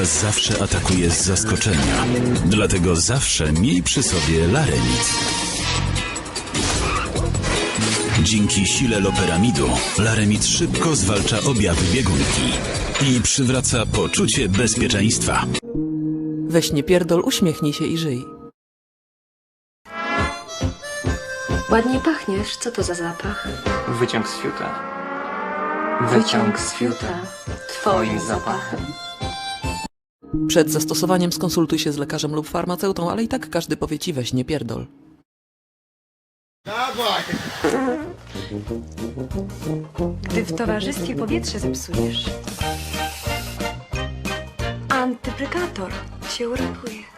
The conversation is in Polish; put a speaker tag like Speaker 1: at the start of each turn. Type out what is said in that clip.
Speaker 1: Was zawsze atakuje z zaskoczenia. Dlatego zawsze miej przy sobie Laremit. Dzięki sile loperamidu Laremit szybko zwalcza objawy biegunki i przywraca poczucie bezpieczeństwa.
Speaker 2: Weź nie pierdol, uśmiechnij się i żyj.
Speaker 3: Ładnie pachniesz. Co to za zapach?
Speaker 4: Wyciąg z fiuta.
Speaker 3: Wyciąg z fiuta. Twoim zapachem.
Speaker 2: Przed zastosowaniem skonsultuj się z lekarzem lub farmaceutą, ale i tak każdy powie ci weź nie pierdol.
Speaker 3: Gdy w towarzystwie powietrze zepsujesz, antyprykator się uratuje.